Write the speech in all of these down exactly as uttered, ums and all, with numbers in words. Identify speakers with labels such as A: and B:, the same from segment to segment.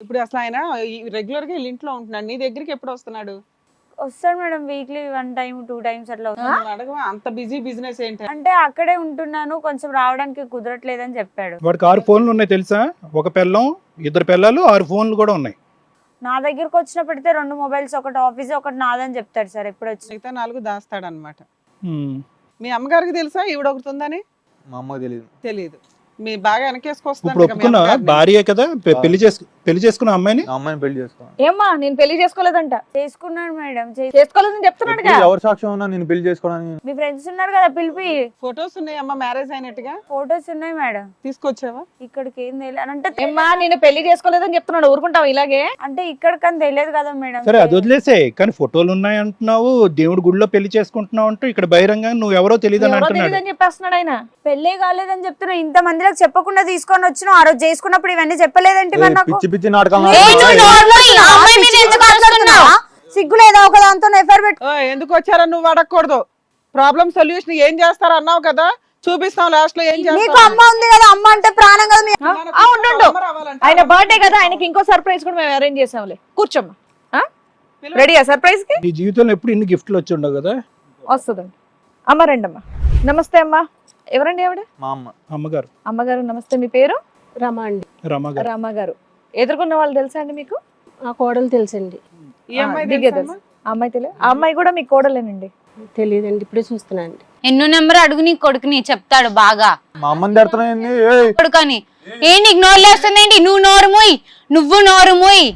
A: ఇప్పుడు అసలు ఆయన రెగ్యులర్ గా వీళ్ళ ఇంట్లో ఉంటున్నాడు, నీ దగ్గరికి ఎప్పుడు వస్తున్నాడు?
B: వస్తాడు madam, weekly one time two times అట్లా వస్తాడు.
A: నువ్వు అడగవా అంత బిజీ బిజినెస్ ఏంటి?
B: అంటే అక్కడే ఉంటున్నాను, కొంచెం రావడానికి కుదరట్లేదని చెప్పాడు.
C: వాడికి ఆరు ఫోన్లు ఉన్నాయి తెలుసా, ఒక పిల్లం ఇద్దరు పిల్లలు ఆరు ఫోన్లు కూడా ఉన్నాయి.
B: నా దగ్గరకు వచ్చిన పెడితే రెండు మొబైల్స్, ఒకటి ఆఫీస్ ఒకటి నాదని చెప్తాడు సార్ ఎప్పుడు వచ్చి.
A: మిగతా నాలుగు దాస్తాడు అనమాట. మీ అమ్మగారికి తెలుసా ఈవిడ ఒకటి ఉందని?
D: మా అమ్మకి తెలియదు.
A: తెలియదు. మీ బాగా
C: ఇప్పుడు
A: వెనకేసుకొస్తున్నా
C: ఒప్పుకున్నా భార్యే కదా, పె- పెళ్లి చేసుకు పెళ్లి చేసుకున్న అమ్మాయిని.
D: నా అమ్మాయిని పెళ్లి చేసుకోవాలి.
E: ఏమ్మా నేను పెళ్లి చేసుకోలేదంట.
B: చేసుకున్నాడు మేడం, చే-
E: చేసుకోలేదని చెప్తున్నాడుగా.
D: ఎవరు సాక్ష్యం ఉన్నా నేను పెళ్లి చేసుకోవడానికి?
B: మీ ఫ్రెండ్స్ ఉన్నారు కదా పిలిపి.
A: ఫొటోస్ ఉన్నాయి అమ్మ మ్యారేజ్ అయినట్టుగా,
B: ఫొటోస్ ఉన్నాయి మేడం.
A: తీసుకొచ్చావా?
B: ఇక్కడికి ఏం తెలియదు అని అంటే
E: ఏమ్మా నేను పెళ్లి చేసుకోలేదని చెప్తున్నాడు, ఊరుకుంటావు ఇలాగే?
B: అంటే ఇక్కడికని తెలియదు కదా మేడం.
C: సరే అది వదిలేసే, కానీ ఫోటోలు ఉన్నాయి అంటున్నావు, దేవుడి గుడిలో పెళ్లి చేసుకుంటున్నావు అంటూ ఇక్కడ బహిరంగ నువ్వు ఎవరో తెలియదు అని
E: ఎవరో
C: అంటున్నాడు.
E: తెలియదని చెప్పేస్తున్నాడు ఆయన.
B: పెళ్లి కాలేదని చెప్తున్నా, ఇంత మందిలకు చెప్పకుండా తీసుకొని వచ్చిన ఆ రోజు చేసుకున్నప్పుడు ఇవన్నీ చెప్పలేదంటే మరి నాకు
D: పిచ్చి పిచ్చి నాటకాలు
B: ఏ,
D: ఆడుతున్నావు.
B: నువ్వు నోర్లో ఈ అమ్మాయి మీద ఎందుకు మాట్లాడుతున్నావు? సిగ్గు లేదా ఒక దాంతో ఎఫర్ పెట్టు.
A: ఓ, ఎందుకు వచ్చారా నువ్వు అడగకూడదు. ప్రాబ్లం సొల్యూషన్ ఏం చేస్తారు అన్నావు కదా, చూపిస్తాం లాస్ట్ లో ఏం
B: నీకు
A: చేస్తారు.
B: అమ్మ ఉంది కదా, అమ్మ అంటే ప్రాణం కదా. మీ-
E: ఆ, ఉండు ఆయన బర్త్డే కదా, ఆయనకి ఇంకో సర్ప్రైజ్ కూడా మేము అరేంజ్ చేసాంలే. కూర్చోమ్మా. రెడీయా సర్ప్రైజ్ కి?
C: నీ జీవితంలో ఎప్పుడు ఇన్ని గిఫ్ట్లు వచ్చి ఉండవు కదా.
E: వస్తుందండి. అమ్మ రండి అమ్మా. నమస్తే అమ్మా. ఎవరండి ఆవిడ?
D: మా అమ్మ.
C: అమ్మగారు.
E: అమ్మగారు నమస్తే. మీ పేరు?
F: రమ అండి.
C: రమ్మగారు.
E: రామగారు. ఎదుర్కొన్న వాళ్ళు తెలుసా అండి మీకు?
F: ఆ కోడలు తెలుసండి.
A: ఈ అమ్మాయి
E: దిగే
A: తెలుసా
E: తెలుసు.
A: అమ్మా?
E: ఆ అమ్మాయి తెలియదు. ఆ అమ్మాయి కూడా మీ కోడలేనండి.
F: తెలియదండి, ఇప్పుడే చూస్తున్నానండి.
G: ఎన్నో నెంబర్ అడుగు నీ కొడుకుని చెప్తాడు బాగా.
D: మా అమ్మని తిడుతున్నాయండి. ఏయ్
G: కొడుకని ఏ నీకు నోరు లేస్తుందేంటి? నువ్వు నోరు మూయి, నువ్వు నోరు మూయి.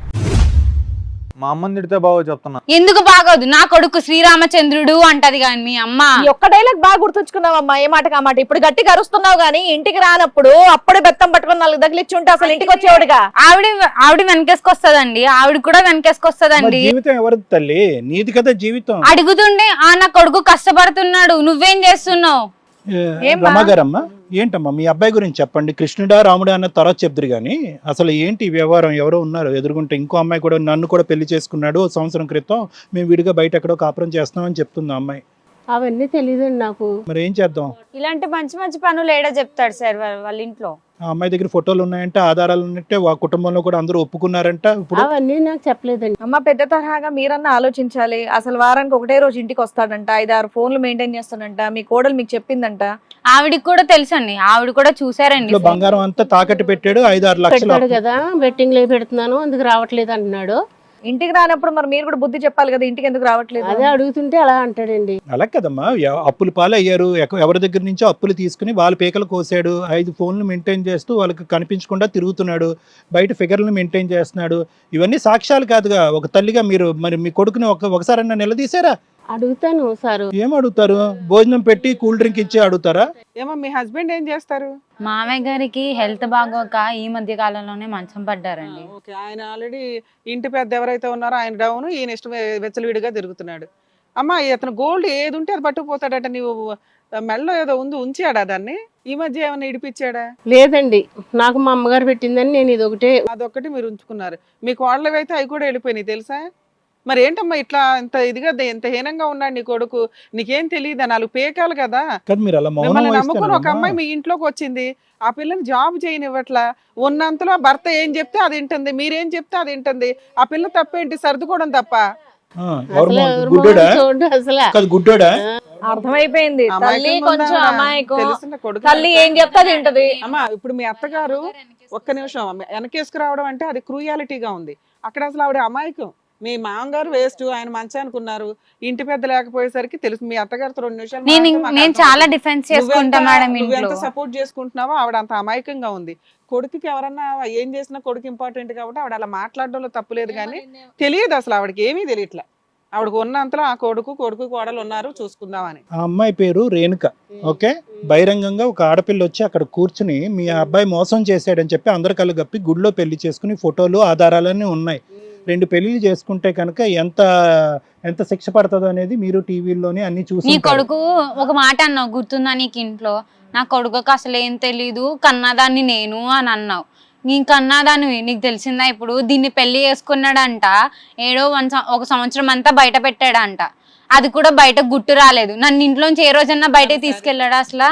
D: మా అమ్మని తిడితే బాగో చెప్తున్నా.
G: ఎందుకు బాగోదు? నా కొడుకు శ్రీరామచంద్రుడు అంటది కానీ మీ అమ్మ.
E: ఈ ఒక్క డైలాగ్ బాగా గుర్తుంచుకున్నావమ్మా, ఏ మాటకి ఆ మాట. ఇప్పుడు గట్టిగా అరుస్తున్నావు గానీ ఇంటికి రానప్పుడు అప్పుడే బెత్తం పట్టుకుని నాలుగు తగిలిచ్చి ఉంటే అసలు ఇంటికి వచ్చేవాడుగా.
G: ఆవిడ ఆవిడ వెనకేసుకొస్తదండి, ఆవిడ కూడా
C: మరి
G: వెనకేసుకొస్తదండి.
C: జీవితం ఎవరిది తల్లి? నీది కదా జీవితం.
G: అడుగుతుండే ఆ నా కొడుకు కష్టపడుతున్నాడు, నువ్వేం చేస్తున్నావు?
E: ఏమ్మా?
C: రమ్మగారమ్మా, ఏంటమ్మా మీ అబ్బాయి గురించి చెప్పండి. కృష్ణుడా రాముడా అన్న తర్వాత చెప్తురు కానీ అసలు ఏంటి ఈ వ్యవహారం? ఎవరో ఉన్నారు ఎదుర్కొంటే, ఇంకో అమ్మాయి కూడా నన్ను కూడా పెళ్లి చేసుకున్నాడు ఓ సంవత్సరం క్రితం, మేము విడిగా బయట ఎక్కడో కాపురం చేస్తామని చెప్తుంది ఆ అమ్మాయి.
F: అవన్నీ తెలియదండి నాకు.
C: మరి ఏం చేద్దాం?
B: ఇలాంటి మంచి మంచి పనులు ఏడా చెప్తాడు సార్ వాళ్ళ- వాళ్ళ ఇంట్లో.
C: ఆ అమ్మాయి దగ్గర ఫోటోలు ఉన్నాయంటే, ఆధారాలు ఉన్నట్టే, ఆ కుటుంబంలో కూడా అందరూ ఒప్పుకున్నారంట. ఇప్పుడు
F: అవన్నీ నాకు చెప్పలేదండి.
E: అమ్మ పెద్ద తరహాగా మీరన్నా ఆలోచించాలి. అసలు వారానికి ఒకటే రోజు ఇంటికి వస్తాడంట, ఐదు ఆరు ఫోన్లు మెయింటైన్ చేస్తాడంట, మీ కోడలు మీకు చెప్పిందంట.
G: ఆవిడికి కూడా తెలుసండి, ఆవిడ కూడా చూసారండి.
C: ఇంట్లో బంగారం అంతా తాకట్టు పెట్టాడు, ఐదు ఆరు లక్షలు
F: పెట్టాడు కదా, బెట్టింగ్ లో పెడుతున్నాను అందుకు రావట్లేదు అంటున్నాడు.
E: ఇంటికి రానప్పుడు మరి మీరు కూడా బుద్ధి చెప్పాలి కదా, ఇంటికి ఎందుకు రావట్లేదు?
F: అదే అడుగుతుంటే అలా అంటాడండి.
C: అలా కదమ్మా, ఎవ- అప్పులు పాలు అయ్యారు, ఎక- ఎవరి దగ్గర నుంచో అప్పులు తీసుకుని వాళ్ళ పీకలు కోసాడు, ఐదు ఫోన్లు మెయింటైన్ చేస్తూ వాళ్ళకి కనిపించకుండా తిరుగుతున్నాడు, బయట ఫిగర్లు మెయింటైన్ చేస్తున్నాడు. ఇవన్నీ సాక్ష్యాలు కాదుగా. ఒక తల్లిగా మీరు మరి మీ కొడుకుని ఒక ఒకసారన్నా నిలదీశారా?
F: అడుగుతాను సారు.
C: ఏం అడుగుతారు? భోజనం పెట్టి కూల్ డ్రింక్ ఇచ్చి అడుగుతారా?
A: ఏమో మీ హస్బెండ్ ఏం చేస్తారు?
G: మామయ్య గారికి హెల్త్ బాగోక ఈ మధ్య కాలంలోనే మంచం పడ్డారండి.
A: ఓకే, ఆయన ఆల్రెడీ ఇంటి పెద్ద ఎవరైతే ఉన్నారో ఆయన డౌన్, ఈయన ఇష్టం వెచ్చలవిడిగా తిరుగుతున్నాడు. అమ్మా ఇతను గోల్డ్ ఏది ఉంటే అది పట్టుకుపోతాడట, నీవు మెడలో ఏదో ఉంది ఉంచాడా దాన్ని? ఈ మధ్య ఏమైనా ఇడిపించాడా?
F: లేదండి, నాకు మా అమ్మగారు పెట్టిందని నేను ఇది ఒకటే.
A: అదొక్కటి మీరు ఉంచుకున్నారు. మీ కోడలు అయితే అవి కూడా వెళ్ళిపోయినాయి తెలుసా? మరి ఏంటమ్మా ఇట్లా ఇంత ఇదిగా ఎంత హీనంగా ఉన్నాడు నీ కొడుకు? నీకేం తెలియదా? నాలుగు పేకాలు కదా.
C: కదా మీరు అలా మౌనం
A: మిమ్మల్ని నమ్ముకుని ఒక
C: వహిస్తారమ్మా.
A: అమ్మాయి మీ ఇంట్లోకి వచ్చింది, ఆ పిల్లని జాబ్ చేయనివ్వట్లా. ఉన్నంతలో భర్త ఏం చెప్తే అది వింటుంది, మీరేం చెప్తే అది వింటుంది. ఆ పిల్ల తప్పేంటి? సర్దుకోవడం తప్ప.
C: ఆ, ఎవరు
F: అసలు
C: మౌనం?
F: ఎవరు
C: గుడ్డోడా?
F: మౌనం చూడు అసలు.
C: కాదు గుడ్డోడా?
E: అర్థమైపోయింది. తల్లి
A: అమాయకంగా
E: కొంచెం
A: ఉందా?
E: అమాయకం,
A: తెలుసున్న కొడుకు.
E: తల్లి ఏం చెప్తే అది వింటది.
A: అమ్మా ఇప్పుడు మీ అత్తగారు ఒక్క నిమిషం అమ్మ, వెనకేసుకురావడం అంటే అది క్రూయాలిటీగా ఉంది. అక్కడ అసలు ఆవిడ అమాయకం. మీ మామగారు వేస్ట్, ఆయన మంచి అనుకున్నారు, ఇంటి పెద్ద లేకపోయేసరికి తెలుసు. మీ అత్తగారితో రెండు నిమిషాలు
G: నేను
A: మాట్లాడితే మాకు
G: నేను
A: అర్థమవుతుంది.
G: చాలా డిఫెన్స్ చేసుకుంటా
A: నువ్వెంత-
G: మేడం
A: నువ్వెంత
G: ఇంట్లో.
A: సపోర్ట్ చేసుకుంటున్నావో ఆవిడ అంత అమాయకంగా ఉంది. కొడుకుకి ఎవరన్నా ఏం చేసినా కొడుకు ఇంపార్టెంట్ కాబట్టి ఆవిడ అలా మాట్లాడడంలో తప్పులేదు, కానీ తెలియదు అసలు ఆవిడకి ఏమీ తెలియట్లా. ఆవిడకు ఉన్నంతలో ఆ కొడుకు కొడుకు కోడలు ఉన్నారు చూసుకుందామని.
C: ఆ అమ్మాయి పేరు రేణుక. ఓకే, బహిరంగంగా ఒక ఆడపిల్ల వచ్చి అక్కడ కూర్చుని మీ అబ్బాయి మోసం చేశాడని చెప్పి అందరు కళ్ళు గప్పి గుడిలో పెళ్లి చేసుకుని ఫోటోలు ఆధారాలన్నీ ఉన్నాయి. రెండు పెళ్లిళ్ళు చేసుకుంటే కనుక ఎంత ఎంత శిక్ష పడుతుందో అనేది మీరు టీవీలోనే అన్ని
G: నీ
C: చూసి.
G: కొడుకు ఒక మాట అన్నావు గుర్తుందా నీకు ఇంట్లో? నా కొడుకుకి అసలు ఏం తెలీదు, కన్నదాన్ని నేను అని అన్నావు. నీ కన్నదాన్ని నీకు తెలిసిందా? ఇప్పుడు దీన్ని పెళ్లి చేసుకున్నాడంట, ఏడో వన్ ఒక సంవత్సరం అంతా బయట పెట్టాడంట. అది కూడా బయట గుట్టు రాలేదు. నన్ను ఇంట్లోంచి ఏ రోజన్నా బయటకు తీసుకెళ్ళాడా అసలు?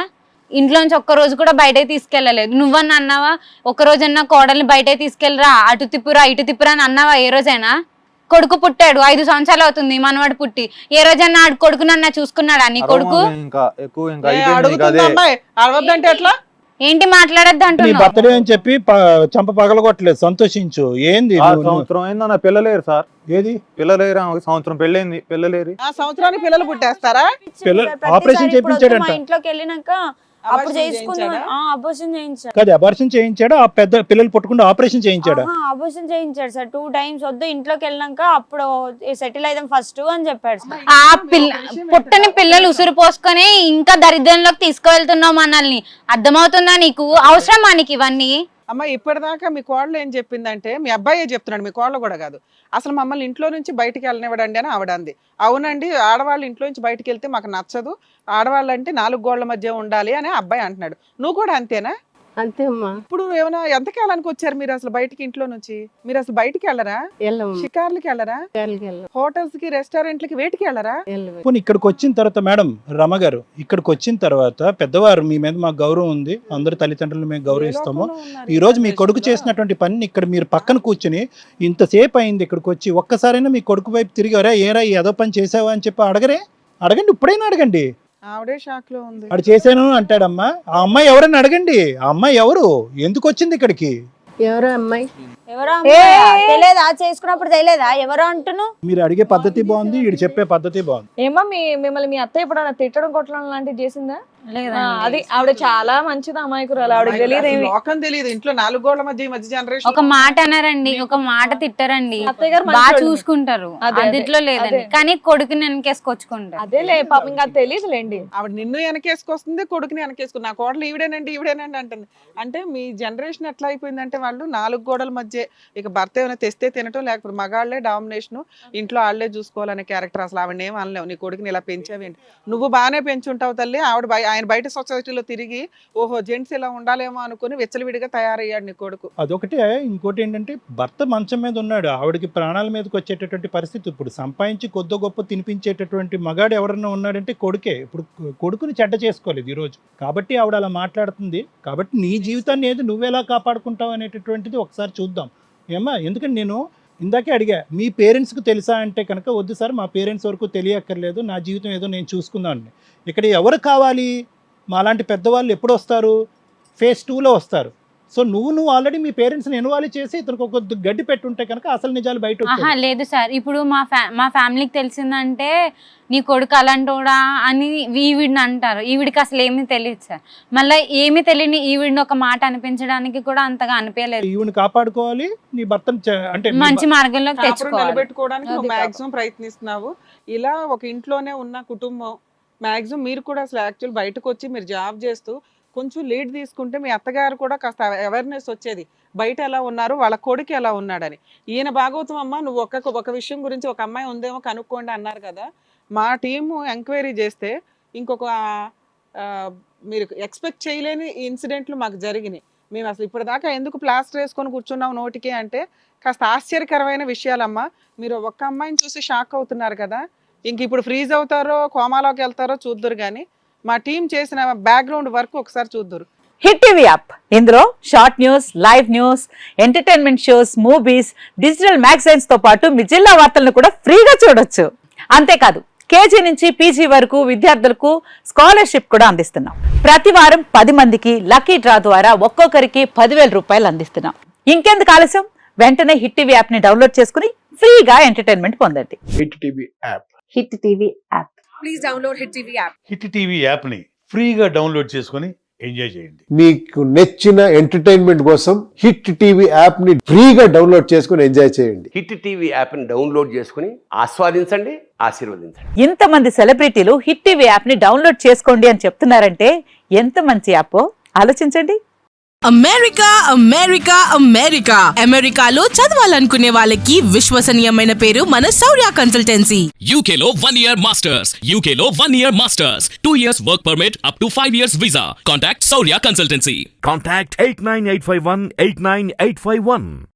G: ఇంట్లో నుంచి ఒక్క రోజు కూడా బయటకి తీసుకెళ్ళలేదు. నువ్వన్నా అన్నావా ఒక్క రోజన్నా కోడల్ని బయటకి తీసుకెళ్ళరా, అటు తిప్పురా ఇటు తిప్పురా అని అన్నావా ఏ రోజైనా? కొడుకు పుట్టాడు, ఐదు సంవత్సరాలు అవుతుంది మనవాడు పుట్టి, ఏ రోజన్నా ఆడు కొడుకునన్నా చూసుకున్నాడా నీ కొడుకు?
D: ఇంకా ఎక్కువ ఇంకా
A: ఏ,
D: అయిపోయింది ఇంకా
A: అడుగుతుంది
D: అదే.
A: అమ్మాయి అడవద్దంటే ఎట్లా?
G: ఏంటి మాట్లాడద్దు
C: నీ
G: అంటున్నావు?
C: బర్త్డే అని చెప్పి ప- చంప పగలగొట్టలేదు, సంతోషించు. ఏంది
D: ఆ
C: నువ్వు- నువ్వు-
D: సంవత్సరం అయిందన్న పిల్లలేరు సార్,
C: ఏది
D: పిల్లలేరు ఆమెకి సంవత్సరం పెళ్ళైంది పిల్లలేరు.
A: ఆ సంవత్సరానికి పిల్లలు పుట్టేస్తారా?
C: పిల్ల-
B: ప్రతిసారి
C: ఆపరేషన్
B: ఇప్పుడు వద్దు,
C: చేయించాడంట.
B: మా ఇంట్లోకి వెళ్ళినాక అప్పుడు
A: అబార్షన్
B: చేసుకుందాం.
A: చేయించాడా?
B: ఆ అబోషన్ చేయించాడు.
C: కాదు, అబార్షన్ చేయించాడా? ఆ పెద్ద పిల్లలు పుట్టకుండా ఆపరేషన్ చేయించాడా?
B: అబోషన్ చేయించాడు సార్ టూ టైమ్స్. వద్దు ఇంట్లోకి వెళ్ళినాక అప్పుడు సెటిల్ అయిదాం ఫస్ట్ అని చెప్పాడు సార్.
G: ఆ పిల్ల పుట్టని పిల్లలు ఉసురు పోసుకొని ఇంకా దరిద్రంలోకి తీసుకువెళ్తున్నావు మనల్ని. అర్థమవుతుందా నీకు? అవసరమా నీకు ఇవన్నీ?
A: అమ్మ ఇప్పటిదాకా మీ కోడలు ఏం చెప్పిందంటే, మీ అబ్బాయే చెప్తున్నాడు, మీ కోడలు కూడా కాదు, అసలు మమ్మల్ని ఇంట్లో నుంచి బయటికి వెళ్ళనివ్వడండి అని ఆవిడ అంది. అవునండి, ఆడవాళ్ళు ఇంట్లో నుంచి బయటికి వెళ్తే మాకు నచ్చదు, ఆడవాళ్ళు అంటే నాలుగు గోళ్ల మధ్య ఉండాలి అని అబ్బాయి అంటున్నాడు. నువ్వు కూడా అంతేనా?
F: అంతే అమ్మా.
A: ఇప్పుడు ఏమైనా ఎంతకాలానికి వచ్చారు మీరు అసలు బయటికి? ఇంట్లో నుంచి మీరు అసలు బయటికి వెళ్ళరా?
F: వెళ్ళము,
A: షికార్లకి వెళ్ళరా?
F: వెళ్ళం
A: హోటల్స్ కి రెస్టారెంట్లకి వేటికి వెళ్ళరా?
F: వెళ్ళము.
C: పోనీ ఇక్కడికి వచ్చిన తర్వాత మేడం రమ గారు, ఇక్కడికి వచ్చిన తర్వాత పెద్దవారు మీ మీద మాకు గౌరవం ఉంది, అందరు తల్లిదండ్రులు మేము గౌరవిస్తాము. ఈ రోజు మీ కొడుకు చేసినటువంటి పని ఇక్కడ మీరు పక్కన కూర్చుని ఇంతసేపు అయింది ఇక్కడికి వచ్చి ఒక్కసారైనా మీ కొడుకు వైపు తిరిగారా, ఏరా ఏదో పని చేసావా అని చెప్పి అడగరే? అడగండి, ఇప్పుడైనా అడగండి.
A: ఆవిడే షాక్ లో ఉంది.
C: అడు చేశాను అంటాడమ్మా. ఆ అమ్మాయి ఎవరని అడగండి. ఆ అమ్మాయి ఎవరు, ఎందుకు వచ్చింది ఇక్కడికి?
F: ఎవరో అమ్మాయి
B: ఎవరో అమ్మాయి తెలియదా? చేసుకున్నప్పుడు తెలియదా ఎవరో అంటున్నావు?
C: మీరు అడిగే పద్ధతి బాగుంది, వీడు చెప్పే పద్ధతి బాగుంది.
E: ఏమో మీ మిమ్మల్ని మీ అత్త ఎప్పుడైనా తిట్టడం కొట్టడం లాంటివి చేసిందా?
G: లేదండి.
E: ఆ, అది ఆవిడ చాలా మంచిది అమాయకురాలు, ఆవిడకి తెలియదు
A: అసలు
E: ఏమి.
A: లోకం తెలియదు, ఇంట్లో నాలుగు గోళ్ల మధ్య ఈ మధ్య జనరేషన్
G: ఒక మాట అన్నారండి, ఒక మాట తిట్టారండి,
E: అత్తయ్య గారు
G: బాగా
E: మంచోళ్ళు.
G: చూసుకుంటారు,
E: అదే, అదే.
G: అదిట్లో లేదండి.
E: అదే.
G: కానీ కొడుకుని వెనకేసుకొచ్చుకుంటారు.
E: అదేలే పాపం ఇంకా తెలియదులేండి.
A: ఆవిడ నిన్ను వెనకేసుకొస్తుంది, కొడుకుని వెనకేసుకుంది. నా కోడలు ఈవిడేనండి ఈవిడేనండి అంటుంది. అంటే మీ జనరేషన్ ఎట్లా అయిపోయిందంటే, వాళ్ళు నాలుగు గోడల మధ్య ఇక భర్త ఏమైనా తెస్తే తినటం, లేకపోతే మగాళ్లే డామినేషన్, ఇంట్లో ఆళ్లే చూసుకోవాలనే క్యారెక్టర్. అసలు ఆవిడ ఏం అనలేవు, నీ కొడుకుని ఇలా పెంచావేంటి? నువ్వు బాగానే పెంచుంటావు తల్లి. ఆవిడ బయ- ఆయన బయట సొసైటీలో తిరిగి ఓహో జెంట్స్ ఇలా ఉండాలేమో అనుకుని వెచ్చలవిడిగా తయారయ్యాడు నీ కొడుకు.
C: అదొకటే. ఇంకోటి ఏంటంటే భర్త మంచం మీద ఉన్నాడు, ఆవిడకి ప్రాణాల మీదకి వచ్చేటటువంటి పరిస్థితి. ఇప్పుడు సంపాదించి కొద్ది గొప్ప తినిపించేటటువంటి మగాడు ఎవరన్నా ఉన్నాడంటే కొడుకే. ఇప్పుడు కొడుకుని చెడ్డ చేసుకోలేదు ఈరోజు, కాబట్టి ఆవిడ అలా మాట్లాడుతుంది. కాబట్టి నీ జీవితాన్ని ఏది నువ్వెలా కాపాడుకుంటావు అనేటటువంటిది ఒకసారి చూద్దాం. ఏమ్మా, ఎందుకంటే నేను ఇందాకే అడిగా, మీ పేరెంట్స్కి తెలుసా అంటే కనుక వద్దు సార్, మా పేరెంట్స్ వరకు తెలియక్కర్లేదు, నా జీవితం ఏదో నేను చూసుకుందామని. ఇక్కడ ఎవరు కావాలి? మాలాంటి పెద్దవాళ్ళు ఎప్పుడు వస్తారు? ఫేజ్ టూలో వస్తారు. సో నువ్వు నువ్వు ఆల్రెడీ మీ పేరెంట్స్ని ఇన్వాల్వ్ చేసి ఇతనికి ఒక గడ్డి పెట్టుంటే కనుక అసలు నిజాలు బయట
G: ఆహా
C: వచ్చేవి.
G: లేదు సార్, ఇప్పుడు మా ఫ్యా మా ఫ్యామిలీకి తెలిసిందంటే నీ కొడుకు అలాంటోడా అని ఈవిడిని అంటారు. ఈవిడికి అసలు ఏమీ తెలియదు సార్. మళ్ళీ ఏమీ తెలియని ఈవిడిని ఒక మాట అనిపించడానికి కూడా అంతగా అనిపించలేదు.
C: ఈవిని కాపాడుకోవాలి, నీ భర్తను చ- అంటే నీ
G: మంచి మార్గంలోకి
A: కాపురం
G: తెచ్చుకోవాలి.
A: నిలబెట్టుకోవడానికి
E: అది
A: నువ్వు
E: పాపం.
A: మాక్సిమం ప్రయత్నిస్తున్నావు. ఇలా ఒక ఇంట్లోనే ఉన్న కుటుంబం మాక్సిమం మీరు కూడా అసలు యాక్చువల్ బయటకు వచ్చి మీరు జాబ్ చేస్తూ కొంచెం లీడ్ తీసుకుంటే మీ అత్తగారు కూడా కాస్త అవేర్నెస్ వచ్చేది, బయట ఎలా ఉన్నారు, వాళ్ళ కొడుకు ఎలా ఉన్నాడని. ఈయన భాగవతం అమ్మ, నువ్వు ఒక ఒక విషయం గురించి ఒక అమ్మాయి ఉందేమో కనుక్కోండి అన్నారు కదా. మా టీము ఎంక్వైరీ చేస్తే ఇంకొక ఆ, మీరు ఎక్స్పెక్ట్ చేయలేని ఇన్సిడెంట్లు మాకు జరిగినాయి. మేము అసలు ఇప్పటిదాకా ఎందుకు ప్లాస్టర్ వేసుకొని కూర్చున్నాం నోటికి అంటే కాస్త ఆశ్చర్యకరమైన విషయాలమ్మా. మీరు ఒక్క అమ్మాయిని చూసి షాక్ అవుతున్నారు కదా, ఇంక ఇప్పుడు ఫ్రీజ్ అవుతారో కోమాలోకి వెళ్తారో చూద్దరు. కానీ మా టీం చేసిన బ్యాక్గ్రౌండ్ వర్క్ ఒకసారి చూద్దరు.
H: హిట్ టీవీ యాప్, ఇందులో short news, live news, entertainment shows, movies, digital magazines తో పాటు మీ జిల్లా వార్తలను కూడా ఫ్రీగా చూడొచ్చు. అంతేకాదు కేజీ నుంచి పీజీ వరకు విద్యార్థులకు స్కాలర్షిప్ కూడా అందిస్తున్నాం. ప్రతి వారం పది మందికి లక్కీ డ్రా ద్వారా ఒక్కొక్కరికి పదివేల రూపాయలు అందిస్తున్నాం. ఇంకెందుకు ఆలస్యం, వెంటనే హిట్ టీవీ యాప్ ని డౌన్లోడ్ చేసుకుని ఫ్రీగా ఎంటర్టైన్మెంట్ పొందండి.
I: Hit TV app
H: hit TV app.
B: Please download hit TV app.
I: Hit TV యాప్ని ఫ్రీగా డౌన్లోడ్ చేసుకొని ఎంజాయ్ చేయండి.
J: మీకు నచ్చిన ఎంటర్టైన్మెంట్ కోసం హిట్ టీవీ యాప్ ని ఫ్రీగా డౌన్లోడ్ చేసుకుని ఎంజాయ్ చేయండి.
K: హిట్ టీవీ యాప్ని డౌన్లోడ్ చేసుకుని ఆస్వాదించండి, ఆశీర్వదించండి.
H: ఇంతమంది సెలబ్రిటీలు హిట్ టీవీ యాప్ ని డౌన్లోడ్ చేసుకోండి అని చెప్తున్నారంటే ఎంత మంచి యాప్ ఆలోచించండి.
L: అమెరికా అమెరికా అమెరికా అమెరికాలో చదవాలనుకునే వాళ్ళకి విశ్వసనీయమైన పేరు మన శౌర్య కన్సల్టెన్సీ.
M: యూకేలో వన్ ఇయర్ మాస్టర్స్, యూకేలో one year masters, two years work permit, up to five years visa. Contact Shaurya consultancy.
N: Contact eight nine eight five one eight nine eight five one.